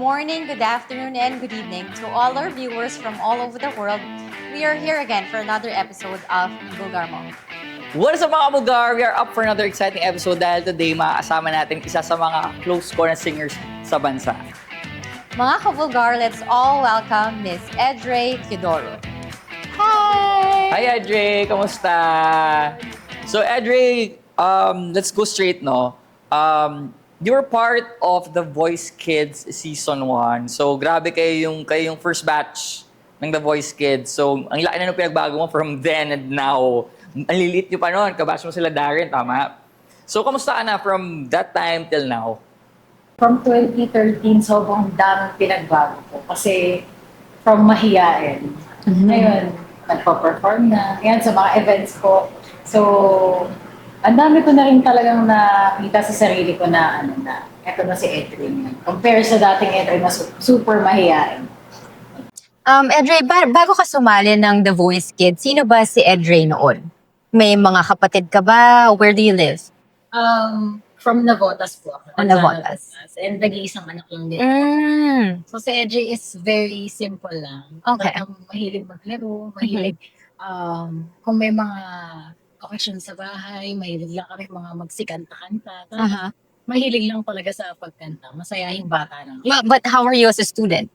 morning, good afternoon, and good evening to all our viewers from all over the world. We are here again for another episode of Bulgar Mo. What is up mga Bulgar? We are up for another exciting episode dahil today makakasama natin isa sa mga close ko na singers sa bansa. Mga ka-Bulgar, let's all welcome Miss Edre Teodoro. Hi! Hi Edre! Kamusta? So Edre, let's go straight, no? You were part of The Voice Kids Season 1. So grabe kayo yung first batch ng The Voice Kids. So ang laki na nung pinagbago mo from then and now. Ang lilit nyo pa noon, kabash mo sila Darren, tama? So kamusta ka na from that time till now? From 2013, sobrang daming pinagbago ko. Kasi from mahiyain. Ngayon, nagpa-perform na. Ngayon, sa mga events ko. So, ang dami ko na rin talagang nakita sa sarili ko na, eto na si Edwin. Compare sa dating Edwin na super mahiyain. Edre, bago ka sumali ng The Voice Kids, sino ba si Edre noon? May mga kapatid ka ba? Where do you live? From Navotas po ako. Navotas. And nag-iisang anak lang din. So si Edwin is very simple lang. Okay. Talagang mahilig maglaro, mahilig kung may mga occasion sa bahay, mahilig lang kami mga magsikanta-kanta. Uh-huh. Mahilig lang talaga sa pagkanta. Masayahing bata lang. But how are you as a student?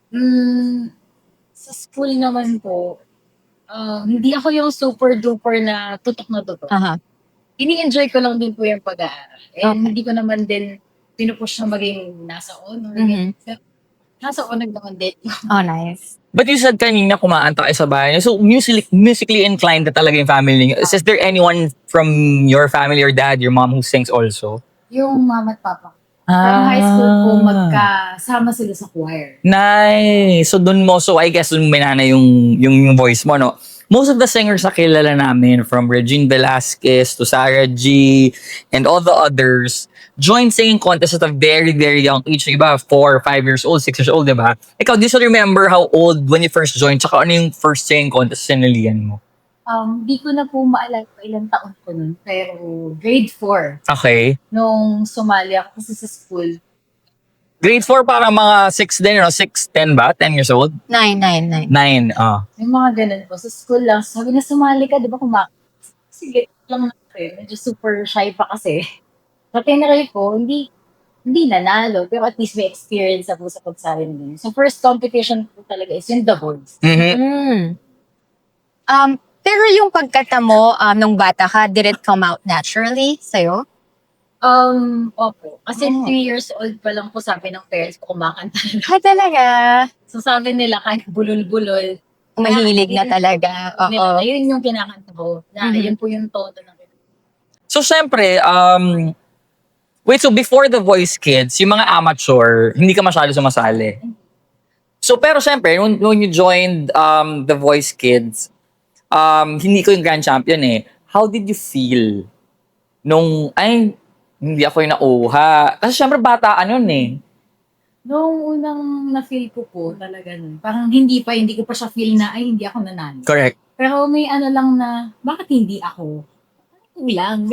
Sa school naman po, hindi ako yung super duper na tutok. Uh-huh. Ini-enjoy ko lang din po yung pag-aaral. And Okay. hindi ko naman din pinupush na maging nasa honor. Pero nasa honor naman din. Oh, nice. But you said kanina kumaanta kayo sa bahay niyo. So musically inclined na talaga yung family niyo. Is there anyone from your family or dad, your mom who sings also? Yung mama at papa. From high school po, magkasama sila sa choir. Nice. So I guess dun minana yung voice mo, no? Most of the singers na kilala namin, from Regine Velasquez to Sarah G and all the others, joined singing contest at a very, very young age. Yung iba, 4 or 5 years old, 6 years old, diba? Ikaw, do you still remember how old when you first joined? Tsaka ano yung first singing contest sinalihan mo? Di ko na po maalala kung ilang taon ko nun. Pero grade 4, Okay. nung sumali ako kasi sa school. Grade 4 parang mga 6 din, 6, 10 ba? 10 years old? 9. 9, May mga ganun po. Sa school lang, sabi na sumali ka, di ba sige lang na medyo super shy pa kasi. Sa tinry ko, hindi nanalo, pero at least may experience na po sa pagsali nila. So first competition po talaga is yung The Voice. Mm-hmm. Pero yung pagkanta mo nung bata ka, did it come out naturally sa'yo? Opo. Kasi 3 years old pa lang po sabi ng parents ko kumakanta na. Ah, talaga? So sabi nila kahit bulol-bulol. Mahilig na talaga. Oo. Ayun yung kinakanta ko. Na yun po yung todo ng So, syempre, so before The Voice Kids, yung mga amateur, hindi ka masyado sumasali. So, pero syempre, when you joined The Voice Kids, hindi ko yung grand champion eh. How did you feel nung, hindi ako yung nauha? Kasi syempre, bataan yun eh. Noong unang na-feel ko po talaga nun, parang hindi ko pa siya feel na, hindi ako nanalo. Correct. Pero may lang na, bakit hindi ako? Lang.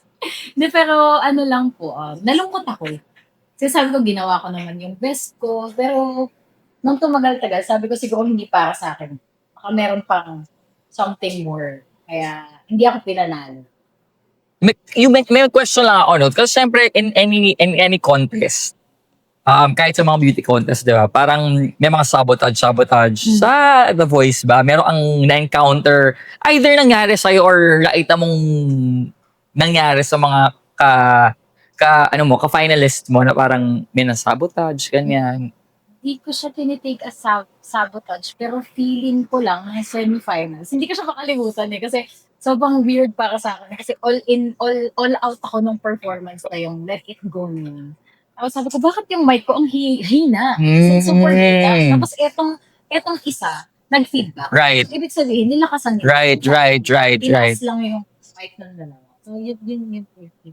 Pero lang po, nalungkot ako. Kasi sabi ko, ginawa ko naman yung best ko. Pero, nung tumagal-tagal, sabi ko siguro hindi para sa akin. Baka meron pang something more. Kaya, hindi ako pinanalo. May question lang ako, no? Kasi syempre, in any contest, kahit sa mga beauty contest, di ba? Parang may mga sabotage sa The Voice ba? Meron ang na-encounter, either nangyari sa'yo or nakita mong nangyari sa mga ka-finalist mo na parang may na-sabotage, ganyan. Hindi ko siya tinitake as sabotage, pero feeling ko lang na semifinals. Hindi ko siya makalimutan eh, kasi sobrang weird para sa akin. Kasi all out ako nung performance na yung Let It Go na. Tapos sabi ko, bakit yung mic ko ang hina? Super hina. Tapos etong isa, nag-feedback. Right. So, ibig sabihin, nilakasan nila. Right. Tinaas lang yung mic ng dalawa. So, yun.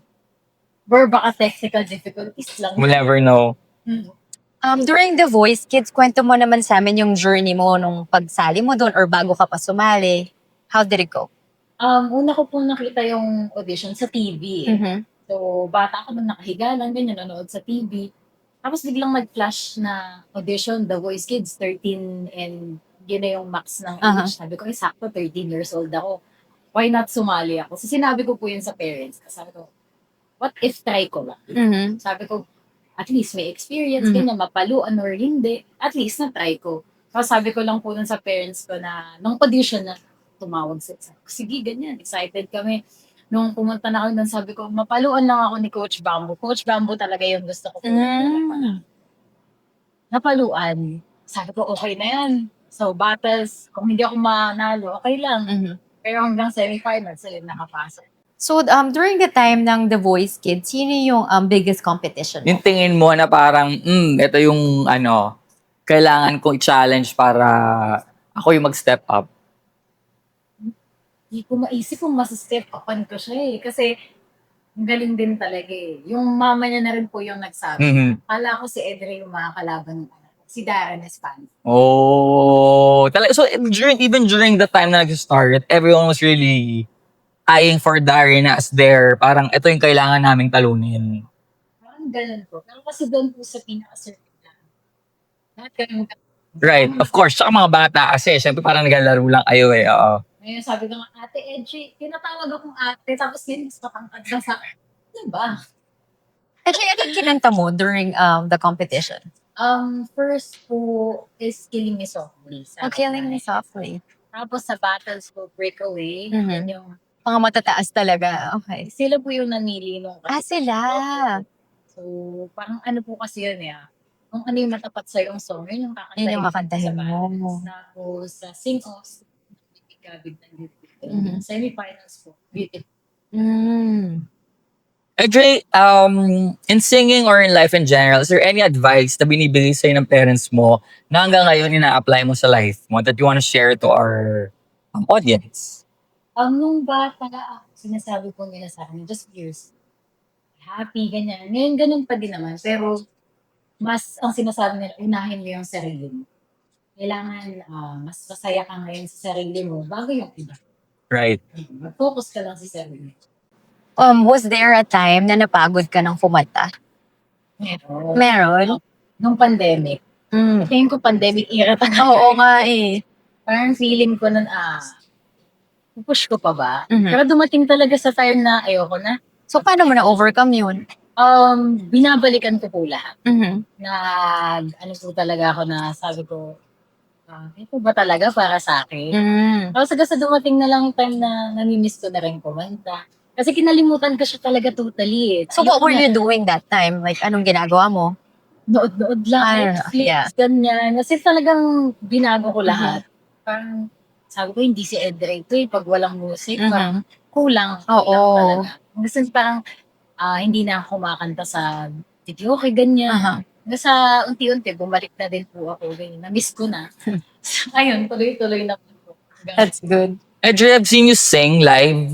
Or baka technical difficulties lang. We'll never know. During The Voice Kids, kwento mo naman sa amin yung journey mo nung pagsali mo doon or bago ka pa sumali. How did it go? Una ko po nakita yung audition sa TV. Mm-hmm. So, bata ako nung nakahiga lang, ganyan, nanonood sa TV. Tapos biglang nag-flash na audition, The Voice Kids, 13 and yun na yung max ng Aha. age. Sabi ko, sakto 13 years old ako. Why not sumali ako? So sinabi ko po yun sa parents. Sabi ko, what if try ko lang? Mhm. Sabi ko, at least may experience, Mhm. ganyan, mapaluan or hindi. At least na-try ko. Tapos sabi ko lang po nun sa parents ko na, nung audition na tumawag sa sige, ganyan, excited kami. Nung pumunta na ako nun, sabi ko, mapaluan lang ako ni Coach Bamboo. Coach Bamboo talaga yung gusto ko. Mm. Napaluan. Sabi ko, okay na yan. So, battles, kung hindi ako manalo, okay lang. Mhm. Pero hanggang semifinals, ayun, nakapasok. So, during the time ng The Voice Kids, sino yung biggest competition mo? Yung tingin mo na parang, ito yung kailangan kong i-challenge para ako yung mag-step up. Hindi ko maisip kung mas-step upan ko siya eh. Kasi, ang galing din talaga eh. Yung mama niya na rin po yung nagsabi. Mhm. Kala ko si Edre yung makakalaban ng anak ko. Si Darren Espan. Oh, talaga. So, even during the time na nag-start, everyone was really eyeing for Darren as their, parang ito yung kailangan naming talunin. Parang ganun po. Pero kasi doon po sa pinaka-circuit na. Lahat ganun. Right, of course. Tsaka mga bata kasi, syempre parang naglalaro lang kayo eh. Oo. Ngayon sabi ko nga, Ate Edgy, tinatawag akong ate, tapos yun, mas matangkad na sa ano ba? Actually, ano yung kinanta mo during the competition? First po is Killing Me Softly. Oh, Killing Me Softly. Tapos sa battles po, Breakaway. Mhm. Yun yung, Mga matataas talaga. Okay. sila po yung nanili nung Sila. So, parang ano po kasi yun eh. Kung ano yung matapat sa yung song, yun yung kakantahin. Yun yung kakantahin sa mo. battles. Tapos sa sing-offs, Gabig ng Beautiful. Mhm. Semifinals po, Beautiful. Mm. Dre, in singing or in life in general, is there any advice na binibigay sa'yo ng parents mo na hanggang ngayon ina-apply mo sa life mo that you want to share to our audience? Nung bata ako, sinasabi po nila sa akin, just years, happy, ganyan. Ngayon, ganun pa din naman. Pero, mas ang sinasabi nila, unahin mo yung sarili mo. Kailangan mas masaya ka ngayon sa sarili mo bago yung iba. Right. Mag-focus ka lang sa sarili. Was there a time na napagod ka ng kumanta? Meron? Nung pandemic. Mm. Tingin ko pandemic era talaga. Oo nga eh. Parang feeling ko nun, push ko pa ba? Mhm. Pero dumating talaga sa time na ayoko na. So, paano mo na-overcome yun? Binabalikan ko po lahat. Mhm. Ano po talaga ako na sabi ko, ito ba talaga para sa akin? Mm. Tapos hanggang sa dumating na lang yung time na namimiss ko na rin kumanta. Kasi kinalimutan ko siya talaga totally eh. So, what were you doing that time? Like, anong ginagawa mo? Nood-nood lang, Netflix, yeah. ganyan. Kasi talagang binago ko lahat. Parang sabi ko, hindi si Edre ito eh. Pag walang music, parang kulang. Oo. Kulang talaga. Kasi parang hindi na ako kumakanta sa video, okay, ganyan. Aha. Hanggang sa unti-unti, bumalik na din po ako. Ganyan. Na-miss ko na. Ayun, tuloy-tuloy na po. That's good. Dre, I've seen you sing live.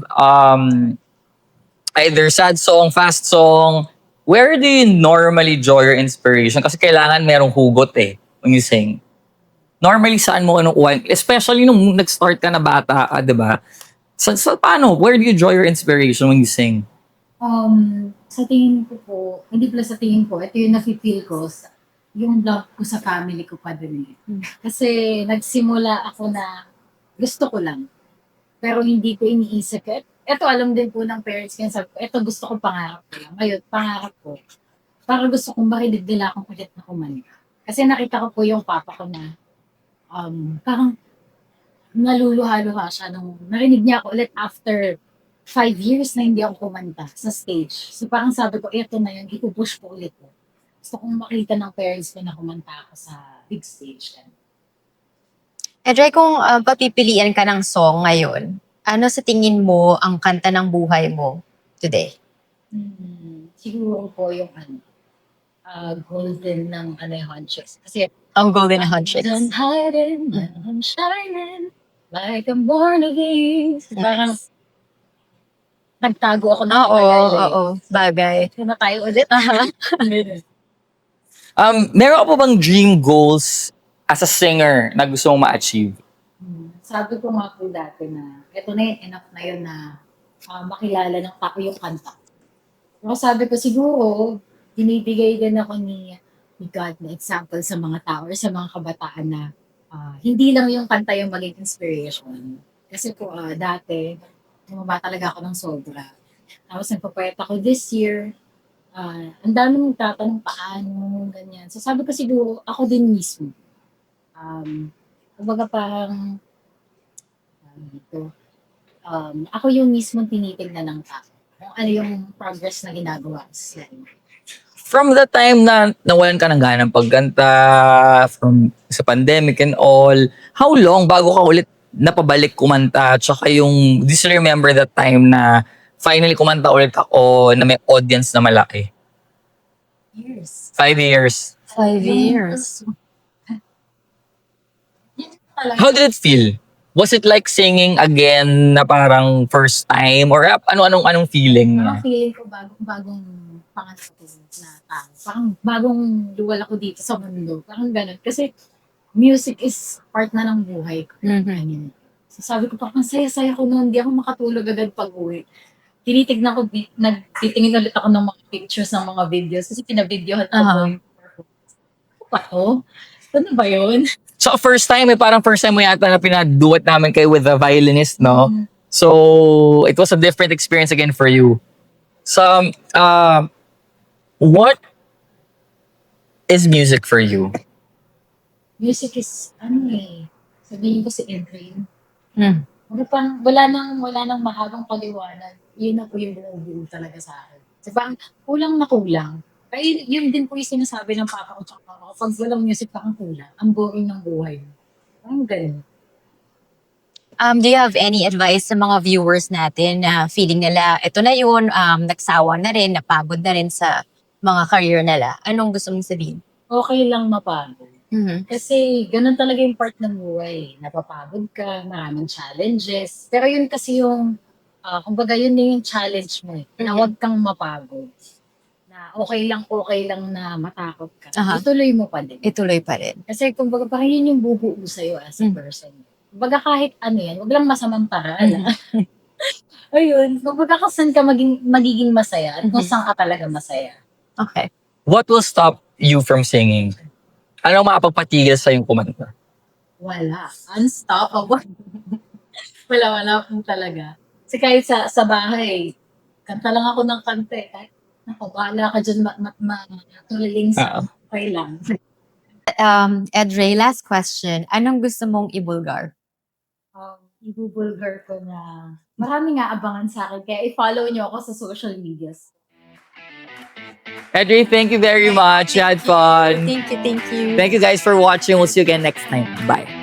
Either sad song, fast song. Where do you normally draw your inspiration? Kasi kailangan merong hugot eh when you sing. Normally, saan mo kinukuha? Especially nung nag-start ka na bata ka, di ba? So, paano? Where do you draw your inspiration when you sing? Sa tingin ko po, hindi pala sa tingin ko, ito yung nafe-feel ko, yung love ko sa family ko pa din eh. Kasi nagsimula ako na gusto ko lang. Pero hindi ko iniisip. Ito alam din po ng parents ko, sabi ko, ito gusto ko pangarap ko lang. Ngayon, pangarap ko, para gusto kong makinig nila akong ulit na kumanta. Kasi nakita ko po yung papa ko na, parang naluluha-luha siya nung narinig niya ako ulit after 5 years na hindi ako kumanta sa stage. So parang sabi ko, eto na yun, ipupush ko ulit. Gusto kong makita ng parents ko na kumanta ako sa big stage. Dre, kung papipilian ka ng song ngayon, ano sa tingin mo ang kanta ng buhay mo today? Siguro po yung golden ng yung Hunchicks. Kasi Ang Golden Hunchicks. I'm hiding, I'm shining, like I'm born of these. Parang nagtago ako ng Bagay. Kaya na tayo ulit. Meron ka pa bang dream goals as a singer na gusto mong ma-achieve? Sabi ko nga po dati na ito na yun, enough na yun na makilala ng tao yung kanta. Pero sabi ko siguro, binibigay din ako ni God na example sa mga tao or sa mga kabataan na hindi lang yung kanta yung maging inspiration. Kasi po, dati, bumaba talaga ako ng sobra. Tapos nagpapayat ako this year. Ang dami mong tatanong paano, ganyan. So sabi ko siguro, ako din mismo. Kumbaga parang, ako yung mismo tinitignan ng tao. Kung ano yung progress na ginagawa sa From the time na nawalan ka ng ganang pagganta, from sa pandemic and all, how long bago ka ulit napabalik kumanta? Tsaka yung, do you remember that time na finally kumanta ulit ako na may audience na malaki? years. 5 years. 5 years. How did it feel? Was it like singing again na parang first time? Or anong feeling Parang niya? feeling ko bagong panganak ko na tao. Parang bagong luwal ako dito sa mundo. Parang ganun. Kasi music is part na ng buhay ko. Mhm. So sabi ko, parang saya-saya ko noon. Hindi ako makatulog agad pag uwi. Tinitignan ko, nagtitingin ulit ako ng mga pictures ng mga videos. Kasi pinabidyohan ko Aha. yung performance. Ano? Ano ba yun? So first time, parang first time mo yata na pinaduet namin kayo with a violinist, no? Mm. So it was a different experience again for you. So, what is music for you? Music is, sabihin ko si Adrian. Mm. Wala nang mahabang paliwanag. Yun na po yung bumubuo talaga sa akin. So parang kulang na kulang. Kaya yun din po yung sinasabi ng papa ko tsaka mama ko. Pag walang music, parang kulang. Ang boring ng buhay. Parang ganun. Do you have any advice sa mga viewers natin na feeling nila, ito na yun, nagsawa na rin, napagod na rin sa mga career nila? Anong gusto mong sabihin? Okay lang mapagod. Mhm. Kasi ganun talaga yung part ng buhay. Napapagod ka, maraming challenges. Pero yun kasi yung, kumbaga yun din yung challenge mo eh. Na Mhm. huwag kang mapagod. Na okay lang na matakot ka. Aha. Ituloy mo pa din. Ituloy pa rin. Kasi kumbaga parang yun yung bubuo sa'yo as a person. Kumbaga kahit ano yan, huwag lang masamang paraan. Ayun, kumbaga kung saan ka magiging masaya at kung saan ka talaga masaya. Okay. What will stop you from singing? Ano ang makapagpatigil sa yung kumanta? Wala. Unstoppable. wala po talaga. Kasi kahit sa bahay, kanta lang ako ng kanta eh. Kahit, bahala ka dyan matuliling sa okay lang. Edre, last question. Anong gusto mong ibulgar? Ibubulgar ko na marami nga abangan sa akin. Kaya i-follow nyo ako sa social medias. Edre, thank you very much. You had fun. Thank you, thank you. Thank you guys for watching. We'll see you again next time. Bye.